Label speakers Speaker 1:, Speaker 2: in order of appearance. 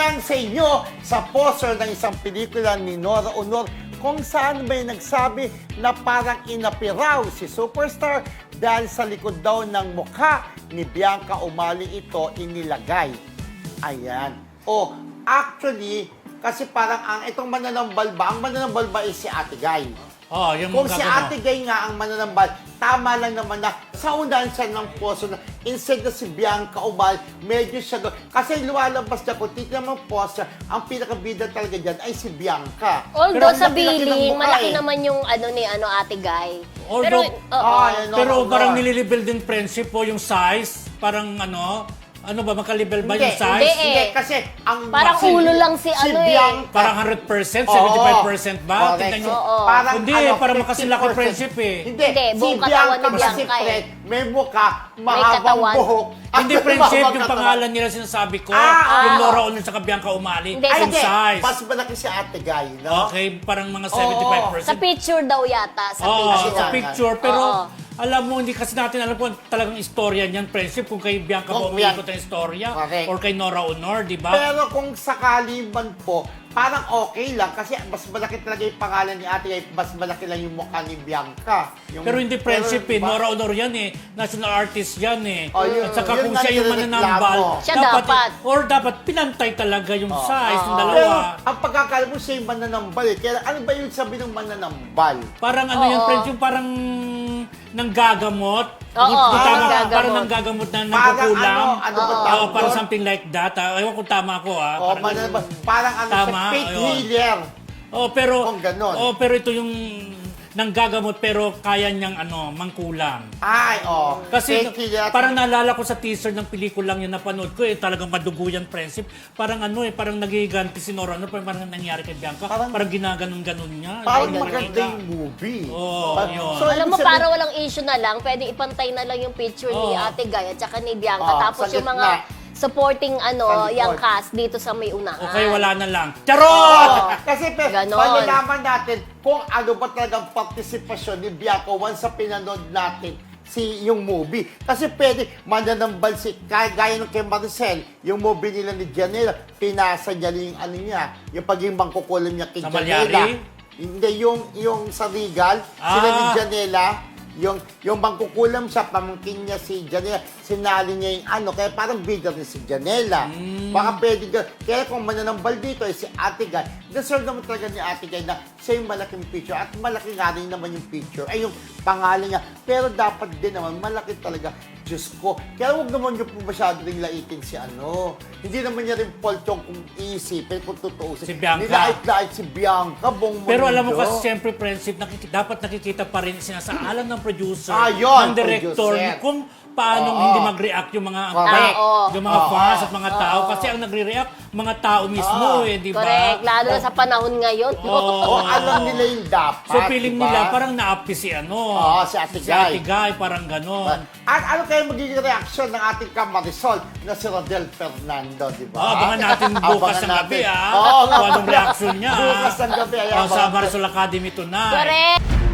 Speaker 1: lang sa inyo sa poster ng isang pelikula ni Nora Honor kung saan may nagsabi na parang inapiraw si superstar dahil sa likod daw ng mukha ni Bianca Umali ito inilagay. Ayan. Actually, kasi parang itong mananambal ba? Ang mananambal ba is si Ate Guy.
Speaker 2: Yung
Speaker 1: Kung si Ate Guy nga ang mananambal, tama lang naman na sa unahan siya ng poso na instead na si Bianca Umali, medyo siya doon. Kasi lumalabas na kung titignan mo poster, ang pinakabida talaga dyan ay si Bianca.
Speaker 3: Although
Speaker 1: Pero
Speaker 3: sa
Speaker 1: ang laki-laki ng
Speaker 3: billing,
Speaker 1: mukha
Speaker 3: malaki
Speaker 1: eh.
Speaker 3: naman yung Ate Guy.
Speaker 2: Although-
Speaker 1: Yan,
Speaker 2: Pero
Speaker 1: Nora
Speaker 2: parang
Speaker 1: Honor.
Speaker 2: nililibel din friendship po yung size. Parang ano ba, makalibel ba
Speaker 1: Hindi,
Speaker 2: yung size?
Speaker 3: hindi eh.
Speaker 1: Hindi, kasi ang
Speaker 3: Parang ulo lang si ano eh.
Speaker 1: Bianca,
Speaker 2: Parang 100%,
Speaker 1: Oo.
Speaker 2: 75% ba?
Speaker 1: Correct.
Speaker 2: Tingnan nyo.
Speaker 3: Oo.
Speaker 1: Parang,
Speaker 2: Hindi, parang makasilaki
Speaker 1: 50%.
Speaker 2: friendship eh.
Speaker 1: Hindi,
Speaker 3: Hindi,
Speaker 1: si
Speaker 3: buong katawan
Speaker 1: Bianca
Speaker 3: ni
Speaker 1: kasi
Speaker 3: Bianca eh.
Speaker 1: Fred, may mukha, mahabang
Speaker 3: katawan.
Speaker 1: buhok. at
Speaker 2: Hindi
Speaker 1: may
Speaker 2: friendship,
Speaker 1: mahabang
Speaker 2: yung
Speaker 1: katawan.
Speaker 2: pangalan nila sinasabi ko.
Speaker 1: Ah,
Speaker 2: Yung
Speaker 1: oo.
Speaker 2: Nora Honor sa Bianca Umali.
Speaker 3: Hindi,
Speaker 1: Ay,
Speaker 2: Yung
Speaker 1: hindi.
Speaker 2: size.
Speaker 1: Mas malaki si Ate Guy, no?
Speaker 2: Okay, parang mga
Speaker 3: Sa
Speaker 2: 75%.
Speaker 3: picture daw yata. Sa
Speaker 2: Oo,
Speaker 3: picture.
Speaker 2: sa picture. Pero
Speaker 3: Oo.
Speaker 2: alam mo, hindi kasi natin alam kung talagang istorya niyan, friendship. Kung kay Bianca
Speaker 1: Kung
Speaker 2: ba umiikot ang istorya.
Speaker 1: Correct.
Speaker 2: Or kay Nora Honor, di ba?
Speaker 1: Pero kung sakali man po, parang okay lang kasi mas malaki talaga yung pangalan ni Ate Guy, mas malaki lang yung mukha ni Bianca.
Speaker 2: Pero hindi friendship
Speaker 1: pero,
Speaker 2: eh.
Speaker 1: diba?
Speaker 2: Nora Honor yan eh. National artist yan eh.
Speaker 1: Oh, yun.
Speaker 2: At saka
Speaker 1: Yun
Speaker 2: kung
Speaker 1: nga
Speaker 2: siya yung
Speaker 1: nirereklamo.
Speaker 2: mananambal,
Speaker 3: Siya dapat.
Speaker 2: Or dapat pinantay talaga yung size ng
Speaker 1: Pero
Speaker 2: dalawa.
Speaker 1: ang pagkakala mo siya yung mananambal eh. Kaya ano ba yung sabi ng mananambal?
Speaker 2: Parang ano yan,
Speaker 3: Oo.
Speaker 2: friends, yung parang nanggagamot.
Speaker 3: Oo,
Speaker 2: Hindi tama,
Speaker 3: nanggagamot.
Speaker 2: parang nanggagamot na
Speaker 1: Parang
Speaker 2: nagkukulang.
Speaker 1: ano ba
Speaker 3: Oo.
Speaker 1: tawag
Speaker 2: Parang
Speaker 1: doon?
Speaker 2: something like that. Ewan kung tama ako
Speaker 1: Oh,
Speaker 2: Parang
Speaker 1: mananambal. Parang ano
Speaker 2: Tama,
Speaker 1: siya, faith
Speaker 2: ayun.
Speaker 1: healer.
Speaker 2: pero
Speaker 1: Kung ganon.
Speaker 2: pero ito yung nanggagamot pero kaya niyang mangkulang.
Speaker 1: Ay,
Speaker 2: Kasi
Speaker 1: faith healer.
Speaker 2: parang naalala ko sa teaser ng pelikulang yung napanood ko talagang madugo yan, friendship. Parang parang nagiganti si Nora Honor, parang nangyari kay Bianca.
Speaker 1: Parang-
Speaker 2: Parang ginaganon-ganon niya.
Speaker 1: Parang
Speaker 2: Ganun
Speaker 1: maganda
Speaker 2: niya.
Speaker 1: yung movie.
Speaker 2: Oo, yun.
Speaker 3: Alam mo,
Speaker 1: ibig sabihin-
Speaker 3: para walang issue na lang, pwede ipantay na lang yung picture ni
Speaker 2: Oo.
Speaker 3: Ate Guy at saka ni Bianca.
Speaker 1: Oo,
Speaker 3: Tapos
Speaker 1: sa
Speaker 3: yung
Speaker 1: gitna.
Speaker 3: mga supporting
Speaker 1: Sa likod.
Speaker 3: yung cast dito sa may unahan.
Speaker 2: Okay, wala na lang. Charot!
Speaker 1: Kasi
Speaker 3: Ganon.
Speaker 1: malalaman natin kung ano ba talagang partisipasyon ni Bianca once sa pinanood natin yung movie. Kasi pwede mananambal gaya ng kay Maricel, yung movie nila ni Janela, pinasa niya yung yung pagiging mangkukulam niya kay
Speaker 2: Sa
Speaker 1: Janela.
Speaker 2: Malyari?
Speaker 1: Hindi, yung sa Regal, sila ni Janela, yung mangkukulam siya, pamangkin niya si Janela, sinali niya yung kaya parang bigger ni si Janela. Baka pwede kaya kung mananambal dito ay si Ate Guy, deserve naman talaga ni Ate Guy na siya yung malaking picture at malaki nga rin naman yung picture, ay yung pangalan niya. Pero dapat din naman, malaki talaga. Diyos ko. Kaya huwag naman niyo po masyado rin laitin si Hindi naman niya rin fault yung kung iisipin, kung totoo.
Speaker 2: Si Bianca.
Speaker 1: Nilait-lait si Bianca, buong
Speaker 2: Pero alam mo
Speaker 1: mundo.
Speaker 2: kasi siyempre, friendship, dapat nakikita pa rin sinasaalan ng producer,
Speaker 1: Yun,
Speaker 2: ng director,
Speaker 1: producer.
Speaker 2: kung paano
Speaker 1: Oo.
Speaker 2: hindi mag-react yung mga
Speaker 1: Correct.
Speaker 2: yung mga fans at mga tao. Kasi ang nagre-react, mga tao mismo di ba?
Speaker 3: Correct. Lalo na sa panahon ngayon.
Speaker 2: Oo.
Speaker 1: Alam nila yung dapat.
Speaker 2: So, feeling
Speaker 1: diba?
Speaker 2: nila, parang na-up si
Speaker 1: si Ate
Speaker 2: si
Speaker 1: Guy.
Speaker 2: Ate Guy, parang ganon.
Speaker 1: At ano kaya magiging reaksyon ng ating Kamarisol na si Rodel Fernando, di ba?
Speaker 2: Abangan natin bukas
Speaker 1: Abangan
Speaker 2: ng gabi,
Speaker 1: natin.
Speaker 2: Kung
Speaker 1: nga
Speaker 2: anong
Speaker 1: pala.
Speaker 2: reaction niya.
Speaker 1: Bukas ng gabi. Ayan,
Speaker 2: Sa Marisol Academy tonight.
Speaker 3: Correct.